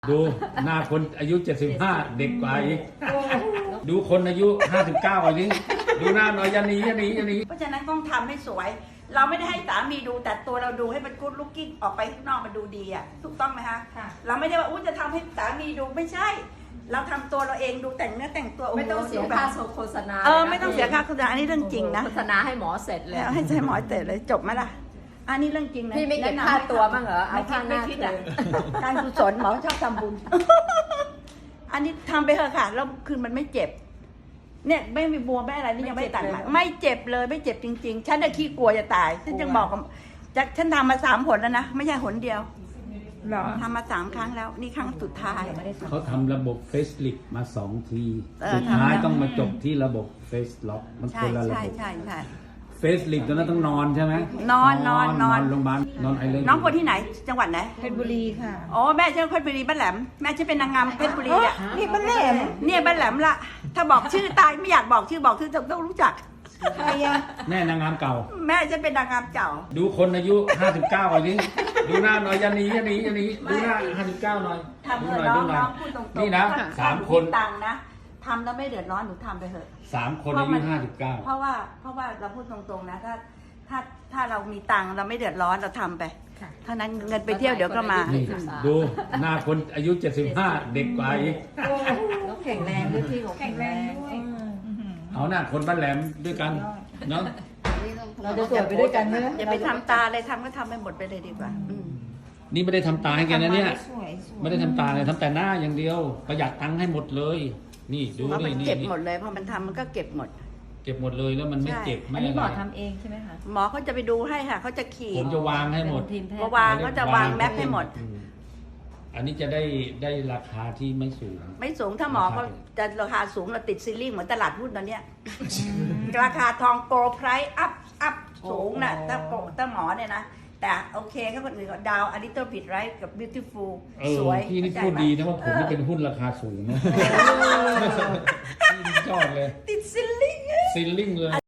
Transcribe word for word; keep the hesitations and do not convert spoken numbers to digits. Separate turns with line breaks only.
ดูหน้าคนอายุเจ็ดสิบห้าเด็กกว่าอีกดูคนอายุห้าสิบเก้าอันนี้ดูหน้าหน่อยยันนี้ยันนี้ยันนี้
เพราะฉะนั้นต้องทำให้สวย เราไม่ได้ให้สามีดูแต่ตัวเราดูให้มันกู๊ดลุกกิ้งออกไปข้างนอกมันดูดีอ่ะถูกต้องไหมคะ
ค่ะ
เราไม่ได้ว่าอุ้ยจะทำให้สามีดูไม่ใช่ เราทำตัวเราเองดูแต่งเนื้อแต่งตัว
ไม่ต้องเสีย
โโห
ค่า
แบบ
โฆษณา
เออไม่ต้องเสียค่าโฆษณาอันนี้เรื่องจริงนะ
โฆษณาให้หมอเสร็จเลย
แล้วให้ใช้หมอเตะเลยจบไหมล่ะอันนี้เรื่องจริงนะ
พี่ไม่เก็บ
แนะนำ
ค่า
ให้
ตัวบ้างเหรอเอา
ไม่คิ
ค่า
ด
ห
ไม่
น้า
คิด
เล
อ่ะ
ย
การกุศลหมอชอบทำบุญ อันนี้ทำไปเถอะค่ะแล้วคือมันไม่เจ็บ เนี่ยไม่มีบวมไม่อะไรนี่ยังไม่ตัดมาไม่เจ็บเลยไม่เจ็บจริง ๆ ฉันน่ะขี้กลัวจะตายฉันจึงบอกกับจะฉันทำมาสามหนแล้วนะไม่ใช่หนเดียว
หรอ
ทำมาสามครั้งแล้วนี่ครั้งสุดท้าย
เขาทำระบบเฟสลิฟมาสองที
เออ
สุดท้าย
ทำแล้ว
ต้องมาจบที่ระบบเฟสล็อกมัน
ใช่
คนละระ
ใช่
บบ
ใช่ใช่
เฟสลิฟตอนนั้นต้องนอนใช่ไหม
นอนนอนนอน
โรงพยาบาลนอนไอเลน
น้องคนที่ไหนจังหวัดไหน
เพชรบุรีค่ะ
อ๋อแม่ชื่อเพชรบุรีบ้านแหลมแม่ชื่อเป็นนางงามเพชรบุรีอ่ะ
นี่บ้านแหลม
เนี่ยบ้านแหลมละถ้าบอกชื่อตายไม่อยากบอกชื่อบอกชื่อต้องรู้จัก
ใครอะ
แม่นางงามเก่า
แม่จะเป็นนางงามเก่า
ดูคนอายุห้าสิบเก้าอันนี้ดูหน้าหน่อยยันนี้ยันนี้ยันนี้ดูหน้าห้าสิบเก้าหน่อย
ทำ
ดู
เถ
ห
อะ
น่อย
น้อ
ดู
ง
หน่อย
น้องพูดตรงๆ
นี่นะ
ถ้
สามคน
ตังค์นะทำแล้วไม่เดือดร้อนหนูทำไปเถอะ
สามคนอายุห้าสิบเก้า
เพราะว่าเพราะว่าเราพูดตรงๆนะถ้าถ้าถ้าเรามีตังค์เราไม่เดือดร้อนเราทำไปเท่านั้นเงินไปเที่ยวเดี๋ยวก็มา
นี่ดูหน้าคนอายุเจ็ดสิบห้าเด็กกว่าอีก
แล้วแข็งแรงด้วยพี่เขาแข็งแรง
เอาหน้าคนบ้านแหลมด้วยกันเนาะ
เราจะสวยไปด้วยกันใช่ไหม
อย่าไปทำตาเลยทำก็ทำไปหมดไปเลยดีกว่าอืม
นี่ไม่ได้ทำตาให้แกนะเนี่ย
สวยสวย
ไม่ได้ทำตาเลยทำแต่หน้าอย่างเดียว ประหยัดตังค์ให้หมดเลย นี่ดู
เพราะมั
นี่
น
นี่
เก็บ
นี่
หมดเลยพอมันทำมันก็เก็บหมด
เก็บหมดเลยแล้วมันไม่
ใช่
เจ็บไม่
อันนี้
อะ
หมอ
ไร
ทำเองใช่ไหมคะ
หมอเขาจะไปดูให้ค่ะเขาจะขีด
ผมจะวางให้หมด
ทีมแพท
พอ
ย์
วางเขาจะวางแมปให้หมด
อืมอันนี้จะได้ได้ราคาที่ไม่สูง
ไม่สูงถ้าหมอเขาจะราคาสูงเราติดซีลิ่งเหมือนตลาดหุ้นตอนเนี้ย ราคาทองโกลไพรส์อัพอัพสูงนะถ้าโกถ้าหมอเนี่ยนะ แต่โอเคก็คนอื่นก็ดาวอลิตเติ้ลบิดไรกับบิวตี้ฟูล
เออ
สวย
พี่นี่
เข้าใจ
พูด
ไหม
ดีนะว่าผมนี่เป็นหุ้นราคาสูงนะพี่นี่ชอบเลย
ติดซีลิ่ง
ซิลลิ่งเลย